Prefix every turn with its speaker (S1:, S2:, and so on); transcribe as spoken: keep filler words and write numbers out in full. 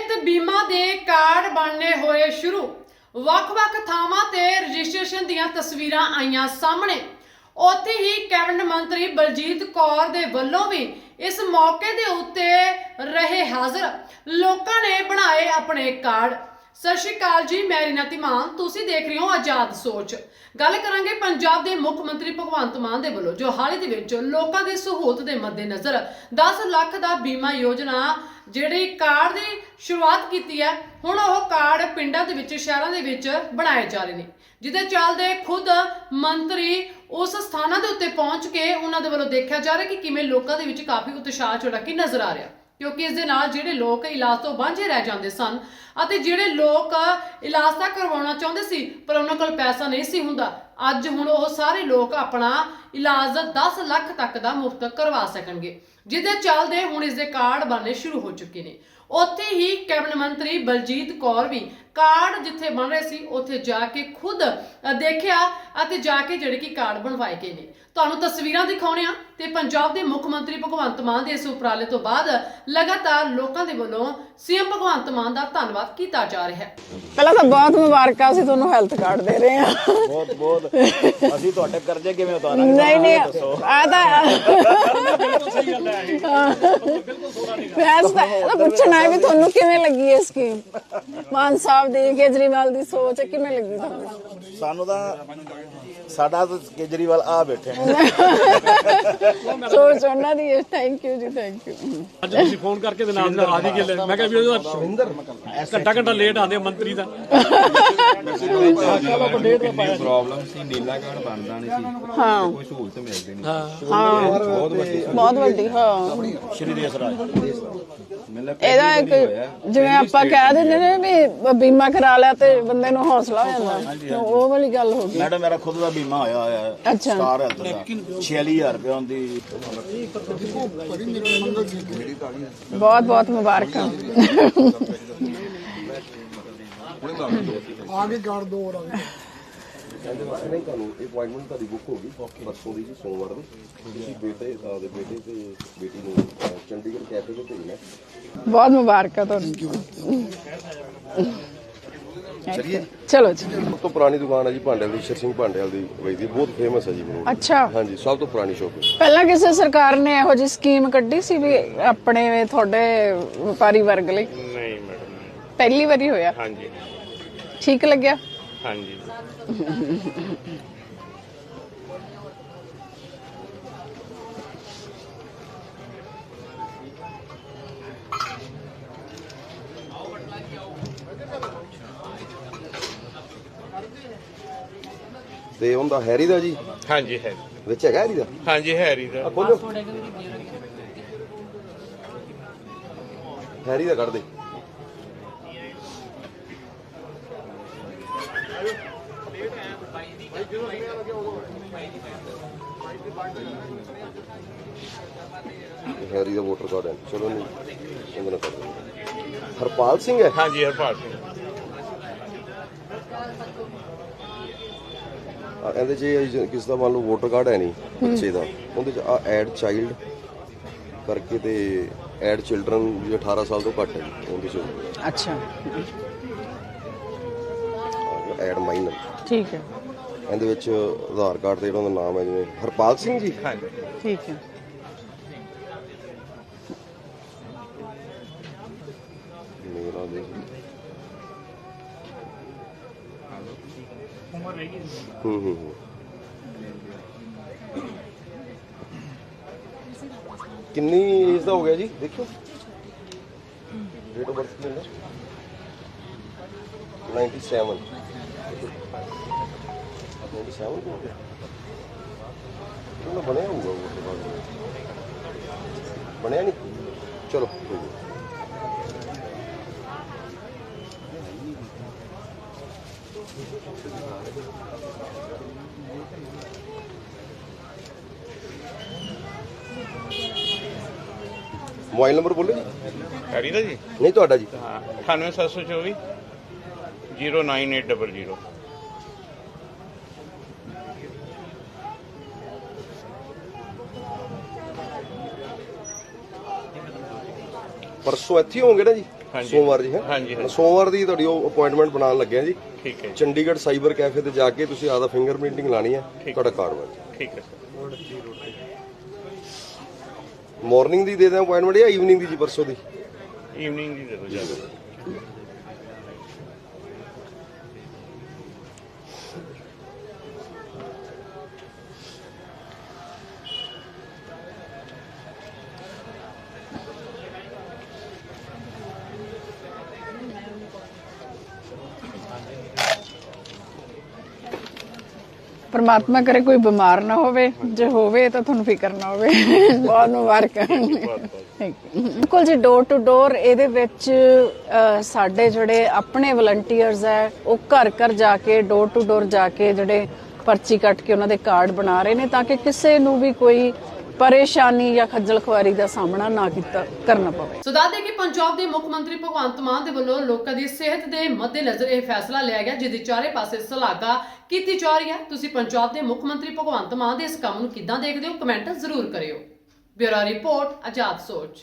S1: ਸਿਹਤ ਬੀਮਾ ਦੇ ਕਾਰਡ ਬਣਨੇ ਹੋਏ शुरू। ਵੱਖ-ਵੱਖ ਥਾਵਾਂ ਤੇ ਰਜਿਸਟ੍ਰੇਸ਼ਨ ਦੀਆਂ ਤਸਵੀਰਾਂ ਆਈਆਂ ਸਾਹਮਣੇ। ਉੱਥੇ ਹੀ ਕੈਬਨਿਟ ਮੰਤਰੀ ਬਲਜੀਤ ਕੌਰ ਦੇ ਵੱਲੋਂ ਵੀ ਇਸ ਮੌਕੇ ਦੇ ਉੱਤੇ ਰਹੇ ਹਾਜ਼ਰ ਲੋਕਾਂ ਨੇ ਬਣਾਏ ਆਪਣੇ ਕਾਰਡ। सत श्री अकाल जी, मैं रीना धीमान, तुसीं देख रहे हो आजाद सोच। गल करांगे पंजाब के मुख मंत्री भगवंत मान दे वल्लों जो हाल ही दे विच लोकां दी सहूलत दे मद्देनज़र दस लाख दा बीमा योजना जिहड़ी कार्ड दी शुरुआत कीती है। हुण ओह कार्ड पिंडां दे विच शहरां दे विच बनाए जा रहे हैं, जिहदे चलदे खुद मंत्री उस स्थानां दे उत्ते पहुंच के उन्हां दे वल्लों देखिया जा रहा कि किवें लोकां दे विच काफ़ी उत्साह जोड़ा कि नज़र आ रहा, क्योंकि इस दे नाल जिहड़े लोक इलाज तो वांझे रह जांदे सन ਅਤੇ ਜਿਹੜੇ ਲੋਕ ਇਲਾਜ ਤਾਂ ਕਰਵਾਉਣਾ ਚਾਹੁੰਦੇ ਸੀ ਪਰ ਉਹਨਾਂ ਕੋਲ ਪੈਸਾ ਨਹੀਂ ਸੀ ਹੁੰਦਾ, ਅੱਜ ਹੁਣ ਉਹ ਸਾਰੇ ਲੋਕ ਆਪਣਾ ਇਲਾਜ दस ਲੱਖ ਤੱਕ ਦਾ ਮੁਫਤ ਕਰਵਾ ਸਕਣਗੇ, ਜਿਹਦੇ ਚੱਲਦੇ ਹੁਣ ਇਸ ਦੇ ਕਾਰਡ ਬਣਨੇ ਸ਼ੁਰੂ ਹੋ ਚੁੱਕੇ ਨੇ। ਉੱਥੇ ਹੀ ਕੈਬਨਿਟ ਮੰਤਰੀ ਬਲਜੀਤ ਕੌਰ ਵੀ ਕਾਰਡ ਜਿੱਥੇ ਬਣ ਰਹੇ ਸੀ ਉੱਥੇ ਜਾ ਕੇ ਖੁਦ ਦੇਖਿਆ ਅਤੇ ਜਾ ਕੇ ਜਿਹੜੇ ਕਿ ਕਾਰਡ ਬਣਵਾਏ ਗਏ ਨੇ। ਤੁਹਾਨੂੰ ਤਸਵੀਰਾਂ ਦਿਖਾਉਣੇ ਆ ਤੇ ਪੰਜਾਬ ਦੇ ਮੁੱਖ ਮੰਤਰੀ ਭਗਵੰਤ ਮਾਨ ਦੇ ਇਸ ਉਪਰਾਲੇ ਤੋਂ ਬਾਅਦ ਲਗਾਤਾਰ ਲੋਕਾਂ ਦੇ ਵੱਲੋਂ ਸੀਐਮ ਭਗਵੰਤ ਮਾਨ ਦਾ ਧੰਨਵਾਦ ਕੀਤਾ ਜਾ ਰਿਹਾ ਹੈ।
S2: ਪਹਿਲਾਂ ਤਾਂ ਬਹੁਤ ਮੁਬਾਰਕਾਂ, ਅਸੀਂ ਤੁਹਾਨੂੰ ਹੈਲਥ ਕਾਰਡ ਦੇ ਰਹੇ ਹਾਂ।
S3: ਬਹੁਤ ਬਹੁਤ ਅਸੀਂ ਤੁਹਾਡੇ ਕਰਜ਼ੇ ਕਿਵੇਂ ਉਤਾਰਾਂਗੇ?
S2: ਨਹੀਂ ਨਹੀਂ ਆ ਤਾਂ
S3: ਬਿਲਕੁਲ ਸਹੀ ਗੱਲ ਹੈ, ਬਿਲਕੁਲ ਸੋਹਣਾ ਨਹੀਂ
S2: ਫੈਸਲਾ ਪੁੱਛਣਾ ਹੈ ਵੀ ਤੁਹਾਨੂੰ ਕਿਵੇਂ ਲੱਗੀ ਇਹ ਸਕੀਮ? ਮਾਨ ਸਾਹਿਬ ਦੀ, ਕੇਜਰੀਵਾਲ ਦੀ ਸੋਚ ਕਿਵੇਂ ਲੱਗੀ ਤੁਹਾਨੂੰ?
S3: ਸਾਨੂੰ ਤਾਂ ਸਾਡਾ ਤਾਂ ਕੇਜਰੀਵਾਲ ਆ ਬੈਠੇ ਨੇ
S2: ਸੋਚ ਉਹਨਾਂ ਦੀ। Thank you ji, thank you.
S4: ਅੱਜ ਤੁਸੀਂ ਫੋਨ ਕਰਕੇ ਦੇ ਨਾਲ ਆ ਜੀ ਗੱਲ ਮੈਂ ਕਿਹਾ ਵੀ ਉਹਦਾ ਸ਼ਵਿੰਦਰ ਘੰਟਾ ਘੰਟਾ ਲੇਟ ਆਉਂਦੇ ਮੰਤਰੀ ਦਾ
S5: ਪ੍ਰੋਬਲਮ ਸੀ, ਨੀਲਾ ਕਾਰਡ ਬਣਦਾ ਨਹੀਂ ਸੀ,
S2: ਹਾਂ
S5: ਕੋਈ ਸਹੂਲਤ ਮਿਲਦੀ ਨਹੀਂ।
S2: ਹਾਂ
S5: ਬਹੁਤ ਵੱਡੀ
S2: ਬਹੁਤ ਵੱਡੀ। ਹਾਂ
S3: ਸ਼੍ਰੀ ਦੇਸ ਰਾਜ
S5: ਮਤਲਬ
S2: ਇਹਦਾ ਇੱਕ ਜਿਵੇਂ ਆਪਾਂ ਕਹਿ ਦਿੰਦੇ ਨੇ ਵੀ ਬੀਮਾ ਕਰਾ ਲਿਆ ਤੇ ਬੰਦੇ ਨੂੰ ਹੌਸਲਾ ਹੋ ਜਾਂਦਾ, ਉਹ ਵਾਲੀ ਗੱਲ ਹੋ ਗਈ।
S3: ਮੈਡਮ ਮੇਰਾ ਖੁਦ ਦਾ ਬੀਮਾ ਹੋਇਆ ਹੋਇਆ ਹੈ,
S2: ਅੱਛਾ।
S3: ਸਟਾਰ ਹੈਲਥ ਦਾ ਛਿਆਲੀ ਹਜ਼ਾਰ ਰੁਪਏ ਦੀ।
S2: ਬਹੁਤ ਬਹੁਤ ਮੁਬਾਰਕਾਂ।
S6: आगे गाड़ दो और आगे
S7: नहीं ਤੁਹਾਨੂੰ ਅਪਾਇੰਟਮੈਂਟ ਤੁਹਾਡੀ ਬੁੱਕ ਹੋ ਗਈ ਪਰਸੋਂ ਦੀ ਜੀ, ਸੋਮਵਾਰ ਦੀ। ਤੁਸੀਂ ਬੇਟੇ ਦੇ ਬੇਟੇ ਤੇ ਬੇਟੀ ਨੂੰ ਚੰਡੀਗੜ੍ਹ ਕੈਫੇ ਤੇ ਭੇਜਣਾ।
S2: ਬਹੁਤ ਮੁਬਾਰਕਾਂ ਤੁਹਾਨੂੰ।
S7: ਚਲਿਏ
S2: ਚਲੋ ਜੀ।
S7: ਸਭ ਤੋਂ ਪੁਰਾਣੀ ਦੁਕਾਨ ਹੈ ਜੀ ਭਾਂਡੇਲ ਦੀ, ਸ਼ਰ ਸਿੰਘ ਭਾਂਡੇਲ ਦੀ ਵੈਦੀ, ਬਹੁਤ ਫੇਮਸ ਹੈ ਜੀ ਮੈਨੂੰ।
S2: ਅੱਛਾ,
S7: ਹਾਂਜੀ, ਸਭ ਤੋਂ ਪੁਰਾਣੀ ਸ਼ੋਪ ਹੈ।
S2: ਪਹਿਲਾਂ ਕਿਸੇ ਸਰਕਾਰ ਨੇ ਇਹੋ ਜਿਹੀ ਸਕੀਮ ਕੱਢੀ ਸੀ ਵੀ ਆਪਣੇ ਤੁਹਾਡੇ ਵਪਾਰੀ ਵਰਗ ਲਈ?
S8: ਨਹੀਂ ਮੈਡਮ,
S2: ਪਹਿਲੀ ਵਾਰੀ ਹੋਇਆ?
S8: ਹਾਂਜੀ
S2: ਠੀਕ ਲੱਗਿਆ?
S8: ਹਾਂਜੀ।
S7: ਤੇ ਉਹਦਾ ਹੈਰੀ ਦਾ ਜੀ
S8: ਹਾਂਜੀ ਹੈ,
S7: ਵਿੱਚ ਹੈਗਾ ਹੈਰੀ ਦਾ?
S8: ਹਾਂਜੀ ਹੈਰੀ ਦਾ।
S7: ਖੋਲੋ ਹੈਰੀ ਦਾ ਕੱਢ ਦੇ। ਹੈਰੀ ਦਾ ਵੋਟਰ ਕਾਰਡ ਹੈ, ਚਲੋ ਨਹੀਂ ਇਹਦੇ ਨਾਲ ਕਰ ਦਿੰਦੇ। ਹਰਪਾਲ ਸਿੰਘ ਹੈ?
S8: ਹਾਂਜੀ ਹਰਪਾਲ ਸਿੰਘ।
S7: ਇਹਦੇ ਚ ਕਿਸ ਦਾ ਮੰਨ ਲਓ ਵੋਟਰ ਕਾਰਡ ਹੈ ਨਹੀਂ ਬੱਚੇ ਦਾ, ਉਹਦੇ ਚ ਆ ਐਡ ਚਾਈਲਡ ਕਰਕੇ ਤੇ ਐਡ ਚਿਲਡਰਨ ਜੋ ਅਠਾਰਾਂ ਸਾਲ ਤੋਂ ਘੱਟ ਹੈ ਜੀ ਉਹਦੇ ਚ।
S2: ਅੱਛਾ,
S7: ਐਡ ਮਾਈਨਰ,
S2: ਠੀਕ ਹੈ।
S7: ਇਹਦੇ ਵਿੱਚ ਆਧਾਰ ਕਾਰਡ ਤੇ ਜਿਹੜਾ ਨਾਮ ਹੈ ਜਿਵੇਂ ਹਰਪਾਲ ਸਿੰਘ ਜੀ।
S8: ਹਾਂਜੀ
S2: ਠੀਕ ਹੈ।
S7: ਮੇਰਾ ਦੇ ਹੂੰ ਹੂੰ ਹੂੰ ਕਿੰਨੀ ਏਜ ਦਾ ਹੋ ਗਿਆ ਜੀ? ਦੇਖੋ ਡੇਟ ਆਫ ਬਰਥ ਕਿੰਨਾ? Ninety seven. ਨਾਈਨਟੀ ਸੈਵਨ ਹੋ ਗਿਆ ਉਹਨਾਂ ਬਣਿਆ ਹੋਊਗਾ ਉਹ ਬਣਿਆ ਨਹੀਂ। ਚਲੋ ਕੋਈ ਨਹੀਂ। मोबाइल नंबर बोलो जी।
S8: ਹੈਰੀ ਦਾ ਜੀ?
S7: नहीं तो जी।
S8: ਹਾਂ, ਅਠਾਨਵੇਂ ਸੱਤ ਸੌ ਚੌਵੀ zero nine eight double zero.
S7: परसों इत्थे होंगे ना जी?
S8: ਹਾਂਜੀ।
S7: ਸੋਮਵਾਰ ਜੀ ਹੈ
S8: ਹਾਂਜੀ, ਹਾਂਜੀ।
S7: ਸੋਮਵਾਰ ਦੀ ਤੁਹਾਡੀ ਉਹ ਅਪਾਇੰਟਮੈਂਟ ਬਣਾਉਣ ਲੱਗਿਆ ਜੀ।
S8: ਠੀਕ ਹੈ ਜੀ,
S7: ਚੰਡੀਗੜ੍ਹ ਸਾਈਬਰ ਕੈਫੇ ਤੇ ਜਾ ਕੇ ਤੁਸੀਂ ਆਦਾ ਫਿੰਗਰਪ੍ਰਿੰਟਿੰਗ ਲਾਣੀ ਹੈ, ਤੁਹਾਡਾ ਕਾਰਡ ਬਣ ਜਾਏਗਾ।
S8: ਠੀਕ ਹੈ ਸਰ।
S7: ਮਾਰਨਿੰਗ ਦੀ ਦੇ ਦਿਆਂ ਅਪਾਇੰਟਮੈਂਟ ਜਾਂ ਈਵਨਿੰਗ ਦੀ ਜੀ ਪਰਸੋਂ ਦੀ?
S8: ਈਵਨਿੰਗ ਦੀ ਦੇ ਦਿਓ ਜ਼ਿਆਦਾ।
S2: परमात्मा करे कोई बीमार ना होवे, जे होवे तो ਤੁਹਾਨੂੰ ਫਿਕਰ ਨਾ ਹੋਵੇ। ਬਹੁਤ ਮੁਬਾਰਕਾਂ। ਬਿਲਕੁਲ ਜੀ, ਡੋਰ ਟੂ ਡੋਰ ਇਹਦੇ ਵਿੱਚ ਅ, ਸਾਡੇ ਜਿਹੜੇ ਆਪਣੇ ਵਲੰਟੀਅਰਸ ਹੈ ਉਹ ਘਰ ਘਰ ਜਾ ਕੇ ਡੋਰ ਟੂ ਡੋਰ ਜਾ ਕੇ ਜਿਹੜੇ ਪਰਚੀ ਕੱਟ ਕੇ ਉਹਨਾਂ ਦੇ ਕਾਰਡ ਬਣਾ ਰਹੇ ਨੇ ਤਾਂ ਕਿ ਕਿਸੇ ਨੂੰ ਵੀ ਕੋਈ ਪਰੇਸ਼ਾਨੀ ਜਾਂ ਖੱਜਲ ਖੁਆਰੀ ਦਾ ਸਾਹਮਣਾ ਨਾ ਕੀਤਾ ਕਰਨਾ ਪਵੇ।
S1: ਸੋ ਦੱਸਦੇ ਕਿ ਪੰਜਾਬ ਦੇ ਮੁੱਖ ਮੰਤਰੀ ਭਗਵੰਤ ਮਾਨ ਦੇ ਵੱਲੋਂ ਲੋਕਾਂ ਦੀ ਸਿਹਤ ਦੇ ਮੱਦੇਨਜ਼ਰ ਇਹ ਫੈਸਲਾ ਲਿਆ ਗਿਆ, ਜਿਹਦੀ ਚਾਰੇ ਪਾਸੇ ਸ਼ਲਾਘਾ ਕੀਤੀ ਜਾ ਰਹੀ ਹੈ। ਤੁਸੀਂ ਪੰਜਾਬ ਦੇ ਮੁੱਖ ਮੰਤਰੀ ਭਗਵੰਤ ਮਾਨ ਦੇ ਇਸ ਕੰਮ ਨੂੰ ਕਿੱਦਾਂ ਦੇਖਦੇ ਹੋ? ਕਮੈਂਟ ਜ਼ਰੂਰ ਕਰਿਓ। ਬਿਊਰੋ ਰਿਪੋਰਟ, ਆਜ਼ਾਦ ਸੋਚ।